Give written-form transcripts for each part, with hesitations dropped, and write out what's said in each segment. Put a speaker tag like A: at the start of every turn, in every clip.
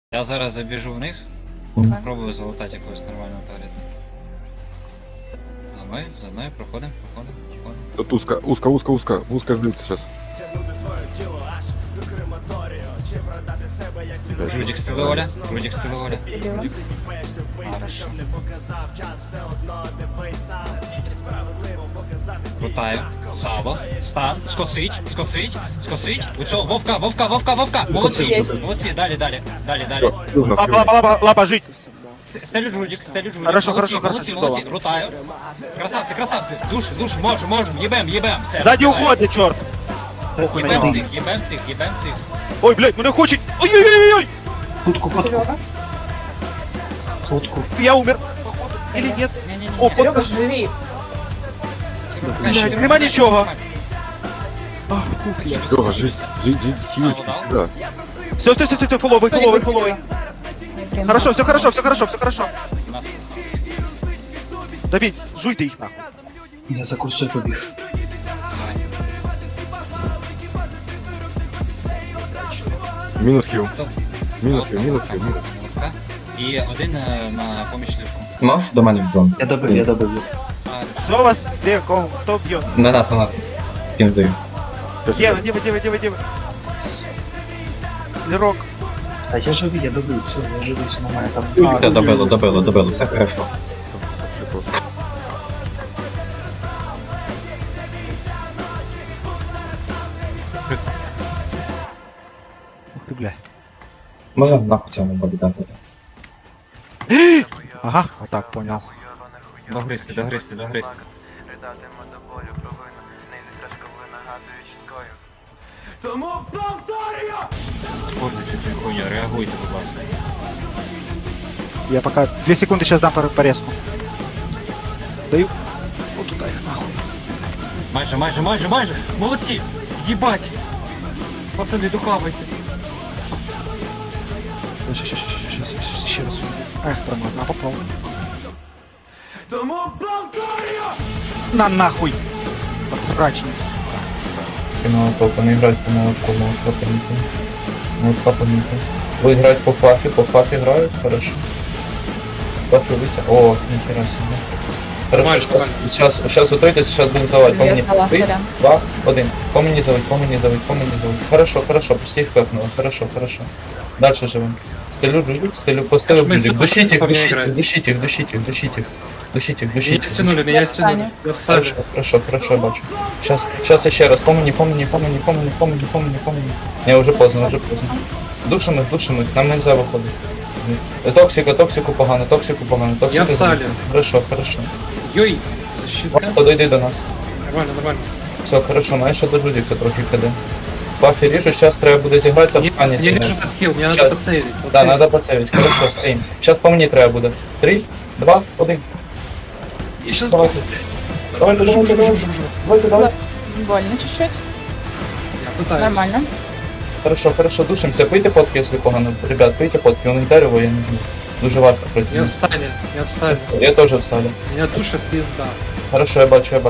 A: Я зараз забіжу в них, пробую залутати якогось нормального таргета. За мною проходимо.
B: Тут узко ждуть сейчас.
A: Жудик стиле Оля. Хорошо. Крутаю. Сало. Стан. Скосить. У цього Вовка. Молодці. Далі.
C: Лапа, жить.
A: Стелю жудик.
C: Хорошо,
A: Молодці. Крутаю. Красавці. Душ, можем. Єбем. Все.
C: Сзади уходит, черт. Похуй на него.
A: Єбем цих.
C: Ой, блядь, мене хочет. Ой-ой-ой-ой.
D: Хутку.
C: Я умер. Походу. Или нет?
A: Не-не-не.
C: О,
E: Серега,
C: под...
E: живи.
C: Блядь, нема нічого.
B: Серега, жить всегда.
C: Все, фоловый. Хорошо, все хорошо. Добить, жуйте их нахуй.
D: Я за курсою побіг.
B: Минус хил.
A: І один на поміч лівку.
F: Можеш до мене в зону?
D: Я добив.
C: Что у вас? Где, кого? Кто бьет?
F: На нас. Ким даю.
C: Дева. Лерок.
D: А я живий, я добив, все нормально там.
F: Все, добило, все хорошо.
C: Ух ты, бля.
F: Можна нахуй цьому бабі дати?
C: Ага, вот так, понял.
A: Догристи.
G: Ридатиму до болю провину, не зітражкову нагадуючи скою. Тому повторюю!
A: Спортуйте цю хуйню, реагуйте, будь ласка.
C: Я пока 2 секунды сейчас дам порезку. Даю. Вот туда их нахуй.
A: Майже. Молодці! Єбать! Пацани, духавайте.
C: Сейчас, еще раз. Эх, промазал, попробуй.
G: Тому повторюю!
C: На нахуй! Подсрачник.
F: Молоток, не грають по молотку, молотка помітно. Ви грають по фафі грають, хорошо. Фафі витя, о, ніхера себе. Хорошо, сейчас готуйтесь, сейчас будем заводить. По мені. 3, 2, 1. По мені заводить. Хорошо, почти их капнуло, хорошо. Дальше живем. Стелю жуют, по стелю жуют. Душите их.
H: Меня стянули. Я в сале.
F: Хорошо, я бачу. Сейчас еще раз. Помни. Не, уже поздно. Душим их, нам нельзя выходить. Токсику погано.
H: Я в сале.
F: Хорошо.
H: Йой, защитка.
F: Подойди до нас.
H: Нормально.
F: Все, хорошо, маєш ще до жудика трохи киде. Бафі ріжу, зараз треба буде зігратися в
H: Не
F: пані.
H: режу этот хил, мне надо поцелить.
F: Да, надо поцелить. Хорошо, стоим. Сейчас по мне треба буде. 3, 2, 1.
H: Я сейчас...
F: Давай.
E: Больно чуть-чуть.
H: Я пытаюсь.
E: Нормально.
F: Хорошо, душимся. Пийте подки, если погано. Ребят, пийте подки, у них дерево, я не знаю. Дуже важко проти
H: Я в
F: них.
H: стане, я в сале.
F: Я теж в салі.
H: Меня душит пизда.
F: Хорошо, я бачу.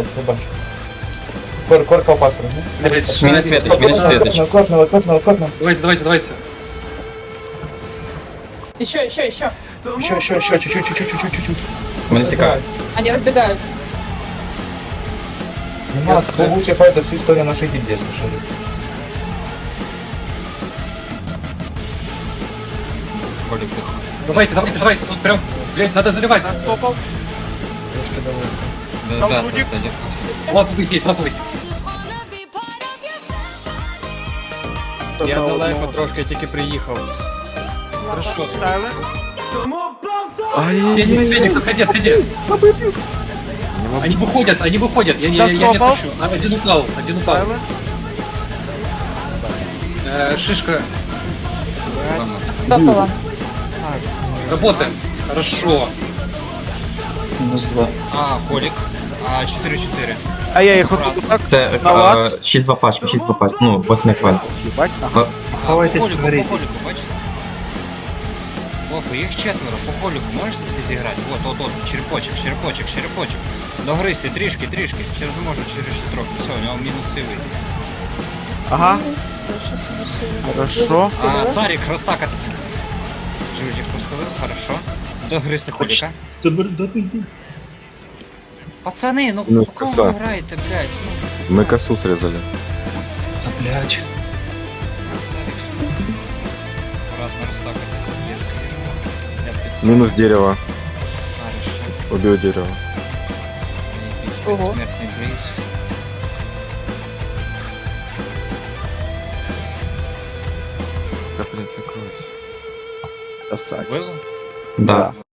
F: Корка в патру.
H: Блять,
F: Мінус світоч. Кортного.
H: Давайте.
E: Еще.
F: Ще, чуть-чуть. Мене цікавить.
E: Они разбегаются.
F: Нема, был лучший файт за всю историю нашей гильдии, слушали.
H: Давайте. Тут прям, блять, надо заливать.
C: Нас топал. Там жудик.
H: Лаповый.
I: Я далеко трошки тільки приїхав.
H: Хорошо.
C: Сайленс.
G: Тому повторюю!
H: Феникс, отходи. Они выходят. Я не
C: стопал.
H: отпущу. Один упал.
C: Сайленс.
H: Шишка.
E: Стопала.
H: Работаем. Хорошо.
D: Мінус 2.
A: Холік. 4-4.
C: А я их вот тут так
F: Це
C: на вас.
F: 6-2 пачки, ну, 8 кваль.
C: Ебать нахуй.
D: Ховайтесь,
A: По холіку,
D: говоріть.
A: бачите? Опа, їх 4, по холіку можеш підіграти? От, черепочок. Догристи, трішки. Через можу, через трохи. Все, у нього мінусивий.
C: Ага. Хорошо.
A: Царик, розтакатися. Жужик поставив, хорошо. Догристи Холіка.
D: Добий.
A: Пацани, ну
B: Ну,
A: по кому
B: коса.
A: ви граєте, блядь? Ну,
B: Мы косу срезали.
C: Блядь.
A: аккуратно розтакати. Я під
B: Минус дерево.
A: Хорошо.
B: Убил дерево.
E: Ого.
A: Смертний близ.
B: Капельница кровь.
C: Красавец.
A: Вбило?
F: Да.